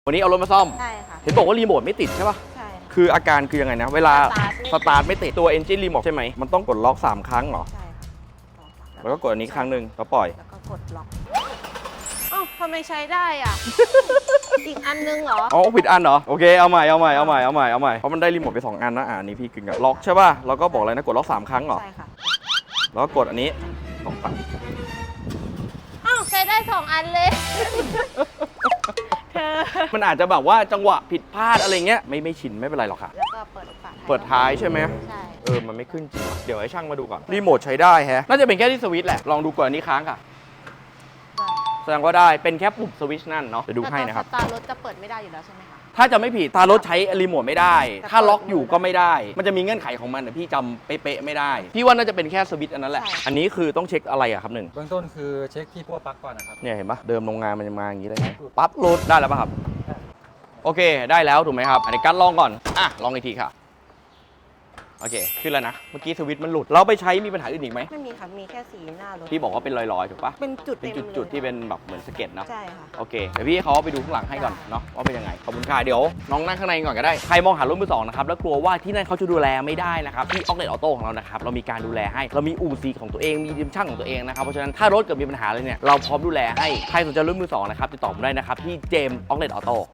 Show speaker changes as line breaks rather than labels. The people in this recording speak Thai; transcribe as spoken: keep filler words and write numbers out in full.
วันนี้เอารถมาซ่อม
ใช่ค่ะ
เห็นบอกว่ารีโมทไม่ติดใช่ป่ะ
ใช่
คืออาการคือยังไงนะเวลาส
ส
ตาร์ทไม่ติดตัว Engine Remote ใช่ไหมมันต้องกดล็อกสามครั้งเหรอ
ใช่ค่ะ
แล้วก็กดอันนี้ครั้งหนึ่งแล้วปล่อย
แล้วก็กดล็อกอ้าวทำไมใช้ได้อ่ะ อีกอันนึงเหรอ
อ๋อผิดอันเหรอโอเคเอาใหม่เอาใหม่เอาใหม่เอาใหม่เอาใหม่เพราะมันได้รีโมทไปสองอันนะอ่านี่พี่กึ่งกับล็อกใช่ป่ะแล้วก็บอกอะไรนะกดล็อกสามครั้งเหรอ
ใช่ค่ะ
แล้วก็กดอันนี้สองครั้ง
อ้าวใช้ได้สองอันเลยเธอ
มันอาจจะแบบว่าจังหวะผิดพลาดอะไรเงี้ยไม่ไม่ชินไม่เป็นไรหรอกค่ะ
แล้วก็เปิดฝา
เปิดท้ายใช่ไหม
ใช่
เออมันไม่ขึ้นจริงเดี๋ยวให้ช่างมาดูก่อนรีโมทใช้ได้แฮะน่าจะเป็นแค่ที่สวิตช์แหละลองดูก่อนอันนี้ค้างค่ะแสดงว่าได้เป็นแค่ปุ่มสวิตช์นั่นเนาะจะดูให้นะครับ
แต่ตอนสตาร์ทรถจะเปิดไม่ได้อยู่แล้วใช่ไหมคะ
ถ้าจะไม่ผิดตารถใช้รีโมทไม่ได้ ถ้าล็อกอยู่ก็ไม่ได้ มันจะมีเงื่อนไขของมันแต่พี่จำเป๊ะๆไม่ได้ พี่ว่าน่าจะเป็นแค่สวิตช์อันนั้นแหละ อันนี้คือต้องเช็คอะไรอะครับหนึ่ง
เบื้องต้นคือเช็คที่พวกปลั๊กก่อนนะครับ
เนี่ยเห็นปะเดิมโรงงานมันจะมาอย่างนี้เลยปั๊บหลุดได้แล้วป่ะครับ โอเคได้แล้วถูกไหมครับ อันนี้กัดลองก่อน อ่ะ ลองอีกทีค่ะ โอเค ขึ้นแล้วนะ เมื่อกี้สวิตช์มันหลุด เราไปใช้มีปัญหาอื่นอีกไหม
ไม่มีค่ะมีแค่สีหน้ารถ
พี่บอกว่าเป็นรอยๆถูกปะ
เป็นจุด
เป็น
ต็มลย
จุดๆที่เป็นแบบเหมือนสเก็ตเนาะ
ใช่ค่ะ
โอเคเดี๋ยวพี่เขาไปดูข้างหลังให้ก่อนเนาะว่าเป็นยังไงขอบคุณค่ะเดี๋ยวน้องนั่งข้างในก่อนก็ได้ใครมองหารถมือสองนะครับแล้วกลัวว่าที่นั่นเขาจะดูแลไม่ได้นะครับที่ออกเลตออโต้ของเรานะครับเรามีการดูแลให้เรามีอู่ซีของตัวเองมีทีมช่างของตัวเองนะครับเพราะฉะนั้นถ้ารถเกิดมีปัญหาอะไรเนี่ยเราพร้อมดูแลให้ใครสนใจรถมือสองนะครับติดต่อผมได้นะครับที่เจมส์ออกเลตออโต้